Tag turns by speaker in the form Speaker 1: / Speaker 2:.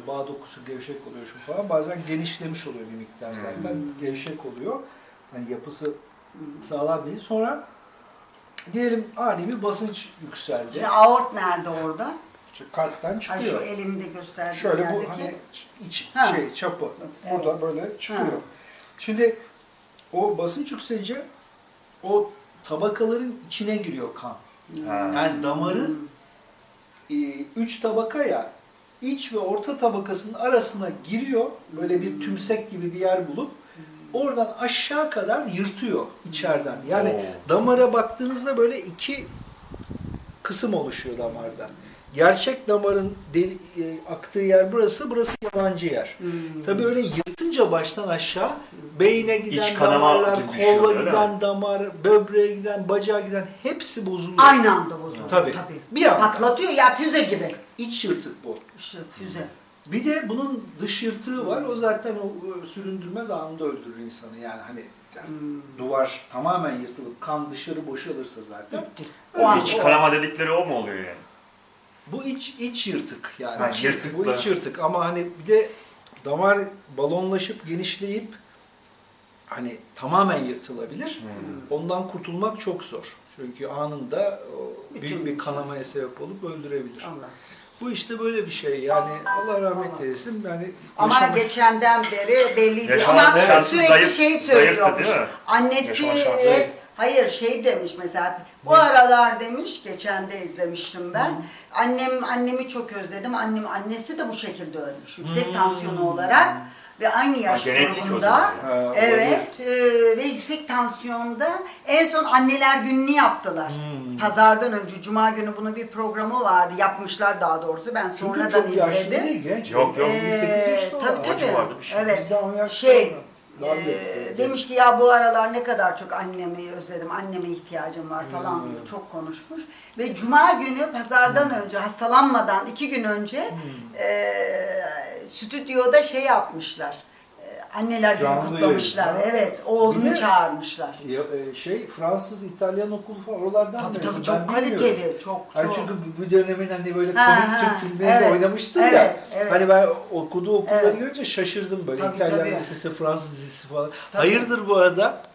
Speaker 1: bağ dokusu gevşek oluyor şu falan. Bazen genişlemiş oluyor bir miktar zaten. Gevşek oluyor. Yani yapısı sağlam değil. Sonra diyelim ani bir basınç yükseldi.
Speaker 2: Şimdi aort nerede orada?
Speaker 1: Şu kalpten
Speaker 2: Ay
Speaker 1: çıkıyor.
Speaker 2: şu elinde gösterdiğin
Speaker 1: Şöyle
Speaker 2: yerdeki.
Speaker 1: bu hani iç
Speaker 2: Ha.
Speaker 1: çapı.
Speaker 2: Evet.
Speaker 1: Burada böyle çıkıyor.
Speaker 2: Ha.
Speaker 1: Şimdi o basınç yükselince o tabakaların içine giriyor kan. Yani damarın 3 tabaka ya, iç ve orta tabakasının arasına giriyor. Böyle bir tümsek gibi bir yer bulup oradan aşağı kadar yırtıyor içeriden. Yani damara baktığınızda böyle iki kısım oluşuyor damarda. Gerçek damarın aktığı yer burası, burası yalancı yer. Tabii öyle yırtınca baştan aşağı beyne giden damarlar, kolla giden damar, böbreğe giden, bacağa giden hepsi bozuluyor.
Speaker 2: Aynı anda bozuluyor.
Speaker 1: Tabii. Bir anda.
Speaker 2: Patlatıyor ya, füze gibi.
Speaker 1: İç yırtık bu.
Speaker 2: İşte füze.
Speaker 1: Bir de bunun dış yırtığı var. O zaten o süründürmez anında öldürür insanı. Yani hani duvar tamamen yırtılıp kan dışarı boşalırsa zaten.
Speaker 2: O
Speaker 3: İç kanama dedikleri o mu oluyor yani?
Speaker 1: Bu iç yırtık yani.
Speaker 3: Ha, yırtıklı.
Speaker 1: Bu iç yırtık ama hani bir de damar balonlaşıp genişleyip hani tamamen yırtılabilir. Ondan kurtulmak çok zor. Çünkü anında büyük bir kanamaya sebep olup öldürebilir.
Speaker 2: Allah.
Speaker 1: Bu işte böyle bir şey yani Allah rahmet eylesin. Yani
Speaker 2: Ama geçenden beri belliydi.
Speaker 3: Yaşanan
Speaker 2: Ama
Speaker 3: şansı
Speaker 2: sürekli
Speaker 3: zayıf-
Speaker 2: şey
Speaker 3: zayıftı
Speaker 2: söylüyormuş.
Speaker 3: değil mi?
Speaker 2: Annesi
Speaker 3: Yaşanan şansı zayıf.
Speaker 2: hayır şey demiş mesela. Bu aralar demiş, geçen de izlemiştim ben. Annemi çok özledim. Annesi de bu şekilde ölmüş. Yüksek tansiyonu olarak ve aynı yaş
Speaker 3: genetik o
Speaker 2: grubunda.
Speaker 3: zaman
Speaker 1: yani.
Speaker 2: Evet ve yüksek tansiyonda en son anneler gününü yaptılar. Pazardan önce Cuma günü bunun bir programı vardı. Yapmışlar daha doğrusu. Ben
Speaker 1: Çünkü
Speaker 2: sonradan
Speaker 1: çok yaşlı
Speaker 2: izledim.
Speaker 1: değil, genç.
Speaker 3: Yok, yok.
Speaker 1: 28 yaşında
Speaker 2: Tabii
Speaker 1: var.
Speaker 2: tabii.
Speaker 3: vardı bir şey.
Speaker 2: Evet.
Speaker 1: Bizden 10 yaş
Speaker 2: Şey,
Speaker 1: sonra. Daha büyük.
Speaker 2: demiş ki ya bu aralar ne kadar çok annemi özledim, anneme ihtiyacım var falan diye çok konuşmuş. Ve Cuma günü pazardan önce, hastalanmadan 2 gün önce stüdyoda şey yapmışlar. Anneler günü
Speaker 1: Canlı
Speaker 2: kutlamışlar.
Speaker 1: yayın.
Speaker 2: Evet,
Speaker 1: Bir
Speaker 2: oğlunu
Speaker 1: de-
Speaker 2: çağırmışlar.
Speaker 1: Fransız, İtalyan okulu falan oralardan
Speaker 2: Tabii
Speaker 1: mezun.
Speaker 2: tabii
Speaker 1: Ben
Speaker 2: çok
Speaker 1: bilmiyorum.
Speaker 2: kaliteli, çok.
Speaker 1: Hani çünkü bu dönemin hani böyle
Speaker 2: Ha,
Speaker 1: komik
Speaker 2: ha,
Speaker 1: Türk filmlerinde
Speaker 2: evet,
Speaker 1: oynamıştım
Speaker 2: evet,
Speaker 1: ya.
Speaker 2: evet.
Speaker 1: Hani ben okuduğu okulları
Speaker 2: Evet.
Speaker 1: görünce şaşırdım böyle.
Speaker 2: Tabii,
Speaker 1: İtalyan
Speaker 2: tabii.
Speaker 1: lisesi, Fransız lisesi falan.
Speaker 2: Tabii.
Speaker 1: Hayırdır bu arada?